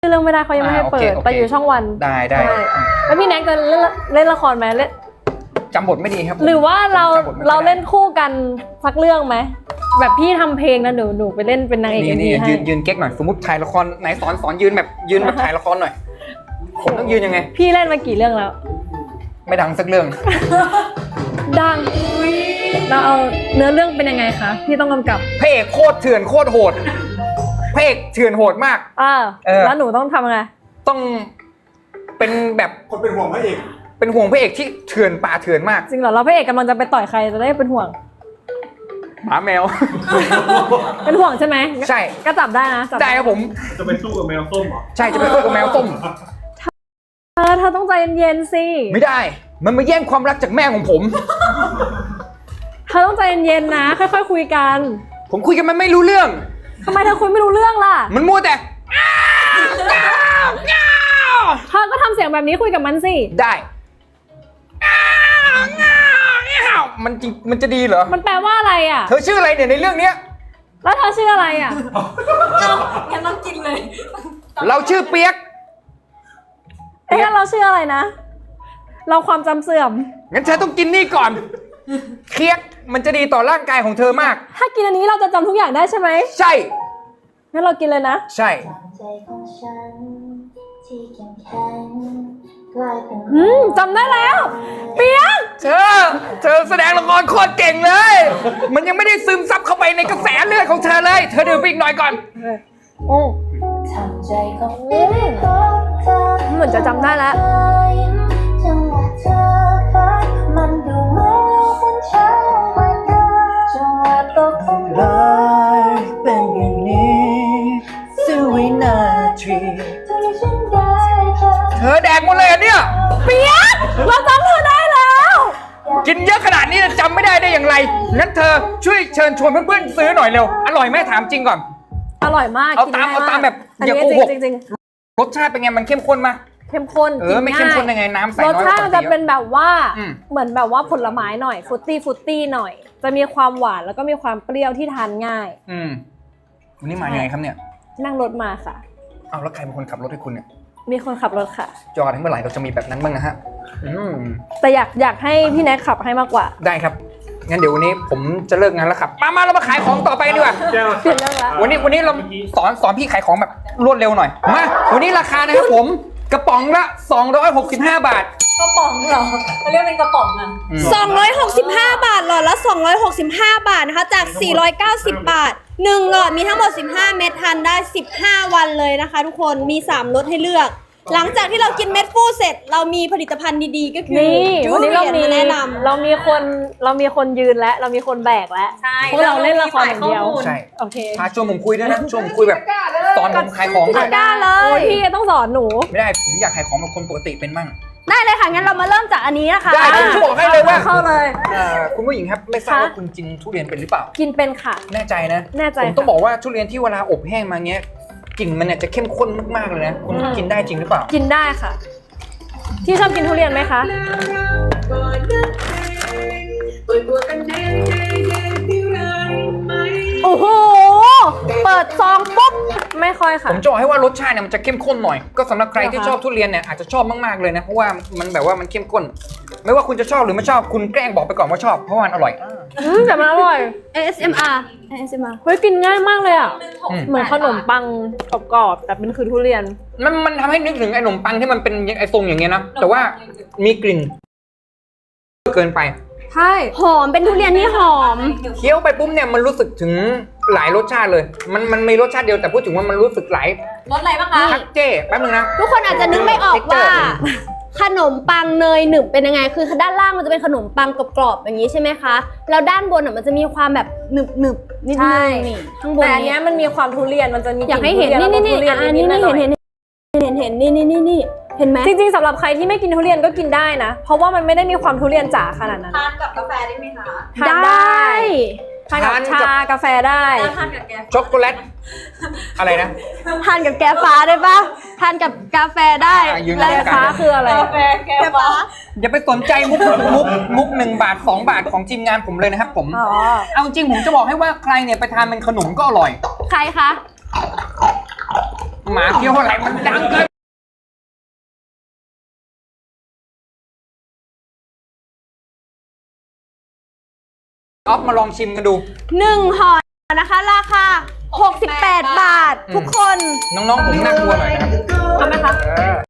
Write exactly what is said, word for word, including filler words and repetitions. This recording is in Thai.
เรื่องไม่ได้เขายังไม่ให้เปิดแต่อยู่ช่องวันได้ได้แล้วพี่แน็กจะเล่นเล่นละครไหมเล่นจำบทไม่ดีครับหรือว่าเราเราเล่นคู่กันสักเรื่องไหมแบบพี่ทำเพลงนะหนูหนูไปเล่นเป็นนางเอกนี่เอ็มนี่วีให้ยืนยืนเก๊กหน่อยสมมติถ่ายละครไหนสอนสอนยืนแบบยืนแบบถ่ายละครหน่อยผมต้องยืนยังไงพี่เล่นมากี่เรื่องแล้วไม่ดังสักเรื่องดังเราเอาเนื้อเรื่องเป็นยังไงคะพี่ต้องกำกับพระเอกโคตรเถื่อนโคตรโหดพระเอกเถื่อนโหดมากอ่าแล้วหนูต้องทำไงต้องเป็นแบบคนเป็นห่วงพระเอกเป็นห่วงพระเอกที่เถื่อนป่าเถื่อนมากจริงเหรอเราพระเอกกำลังจะไปต่อยใครจะได้เป็นห่วงหมาแมวเป็นห่วงใช่ไหมใช่ก็จับได้นะได้ครับผมจะไปสู้กับแมวส้มเหรอใช่จะไปสู้กับแมวส้มเธอเธอต้องใจเย็นๆสิไม่ได้มันมาแย่งความรักจากแม่ของผมเธอต้องใจเย็นๆนะค่อยๆคุยกันผมคุยกันมันไม่รู้เรื่องทำไมเธอคุยไม่รู้เรื่องล่ะมันมัวแต่เธอก็ทำเสียงแบบนี้คุยกับมันสิได้มันจริงมันจะดีเหรอมันแปลว่าอะไรอ่ะเธอชื่ออะไรเนี่ยในเรื่องเนี้ยแล้วเธอชื่ออะไรอ่ะเราแกต้องกินเลยเราชื่อเปียกเอ๊ะเราชื่ออะไรนะเราความจำเสื่อมงั้นเธอต้องกินนี่ก่อนเคียกมันจะดีต่อร่างกายของเธอมากถ้ากินอันนี้เราจะจำทุกอย่างได้ใช่ไหมใช่งั้นเรากินเลยนะใช่อืมจำได้แล้วเปียกเธอเธอแสดงละครโคตรเก่งเลยมันยังไม่ได้ซึมซับเข้าไปในกระแสเลือดของเธอเลยเธอดื่มไปอีกหน่อยก่อนโอ้เหมือนจะจำได้แล้วเป็นอย่างนี้สิวินาทีเธอแดกหมดเลยอ่ะเนี่ยเปียกเราจำเธอได้แล้วกินเยอะขนาดนี้จำไม่ได้ได้อย่างไรงั้นเธอช่วยเชิญชวนเพื่อนๆซื้อหน่อยเร็วอร่อยไหมถามจริงก่อนอร่อยมากเอาตามเอาตามแบบอย่าโกหกรสชาติเป็นไงมันเข้มข้นมั้ยเข้มข้นเออไม่เข้มข้นยังไงน้ำใส่น้อยรสชาติจะเป็นแบบว่าเหมือนแบบว่าผลไม้หน่อยฟรุตตี้ฟรุตตี้หน่อยจะมีความหวานแล้วก็มีความเปรี้ยวที่ทานง่ายอืมวันนี้มายังไงครับเนี่ยนั่งรถมาค่ะเอาแล้วใครเป็นคนขับรถให้คุณเนี่ยมีคนขับรถค่ะจอดให้เมื่อไหร่เราจะมีแบบนั้นบ้างนะฮะแต่อยากอยากให้พี่แน็กขับให้มากกว่าได้ครับงั้นเดี๋ยววันนี้ผมจะเลิกงานแล้วครับมามาเรามาขายของต่อไปดีกว่าเปลี่ยนเรื่องละวันนี้วันนี้เราสอนสอนพี่ขายของแบบรวดเร็วหน่อยมาวันนี้ราคานะครับผมกระป๋องละสองร้อยหกสิบห้าบาทกระป๋องเหรอเขาเรียกเป็นกระป๋องอ่ะสองร้อยหกสิบห้าบาทหลอดละสองร้อยหกสิบห้าบาทนะคะจากสี่ร้อยเก้าสิบบาทหนึ่งหลอดมีทั้งหมดสิบห้าเม็ดทานได้สิบห้าวันเลยนะคะทุกคนมีสามรสให้เลือกหลังจากที่เรากินเม็ดฟูเสร็จเรามีผลิตภัณฑ์ดีๆก็คือนี่วันนี้เรามีแนะนำเรามีคนเรามีคนยืนและเรามีคนแบกแล้วเพราะเราเล่นละครอย่างเดียวใช่โอเคพาชวนผมคุยด้วยนะชวนผมคุยแบบสอนผมขายของด้วยได้เลยพี่ต้องสอนหนูไม่ได้ผมอยากขายของแบบคนปกติเป็นมั่งได้เลยค่ะงั้นเรามาเริ่มจากอันนี้นะคะได้ผมจะบอกให้เลยว่าเข้าเลยคุณผู้หญิงครับไม่ทราบว่าคุณกินทุเรียนเป็นหรือเปล่ากินเป็นค่ะแน่ใจนะแน่ใจผมต้องบอกว่าทุเรียนที่เวลาอบแห้งมาเงี้ยกลิ่นมันเนี่ยจะเข้มข้นมากๆเลยนะคุณกินได้จริงหรือเปล่ากินได้ค่ะที่ชอบกินทุเรียนไหมคะโอ้โหเปิดซองปุ๊บไม่ค่อยค่ะผมจะบอกให้ว่ารสชาติเนี่ยมันจะเข้มข้นหน่อยก็สำหรับใครที่ชอบทุเรียนเนี่ยอาจจะชอบมากๆเลยนะเพราะว่ามันแบบว่ามันเข้มข้นไม่ว่าคุณจะชอบหรือไม่ชอบคุณแกล้งบอกไปก่อนว่าชอบเพราะว่ามันอร่อยอืมแต่มันอร่อยเอ เอส เอ็ม อาร์ เอ เอส เอ็ม อาร์เฮ้ยกินง่ายมากเลยอ่ะเหมือนขนมปังกรอบๆแต่เป็นคือทุเรียนมันมันทำให้นึกถึงไอ้ขนมปังที่มันเป็นไอ้ทรงอย่างเงี้ยนะแต่ว่ามีกลิ่นเกินไปใช่หอมเป็นทุเรียนที่หอมเคี้ยวไปปุ๊บเนี่ยมันรู้สึกถึงหลายรสชาติเลยมันมันมีรสชาติเดียวแต่พูดถึงว่ามันรู้สึกหลายรสอะไรบ้างคะทักเจ้แป๊บนึงนะทุกคนอาจจะนึกไม่ออกว่าขนมปังเนยหนึบเป็นยังไงคือด้านล่างมันจะเป็นขนมปังกรอบๆอย่างนี้ใช่ไหมคะแล้วด้านบนอ่ะมันจะมีความแบบหนึบหนึบนิดนึงนี่ข้างบนแต่อันนี้มันมีความทุเรียนมันจะมีอยากให้เห็นนี่นี่นี่อันนี้นี่เห็นเห็นเห็นเห็นนี่นี่นี่นี่เห็นไหมจริงๆสำหรับใครที่ไม่กินทุเรียนก็กินได้นะเพราะว่ามันไม่ได้มีความทุเรียนจ๋าขนาดนั้นทานกับกาแฟได้ไหมคะทานได้ทานกับชากาแฟได้ทานกับแกช็อกโกแลตอะไรนะทานกับแกฟ้าได้ปะทานกับกาแฟได้แล้วแกฟ้าคืออะไรกาแฟแกฟ้าอย่าไปสนใจมุกมุกมุกหนึ่งบาทสองบาทของทีมงานผมเลยนะครับผมเอาจริงผมจะบอกให้ว่าใครเนี่ยไปทานเป็นขนมก็อร่อยใครคะหมาเคี้ยวอะไรมันดังเกินออฟมาลองชิมกันดูหนึ่งห่อนะคะ ราคาหกสิบแปดบาท ทุกคนน้องๆผมน่ากลัวหน่อยนะครับทำไหมคะเออ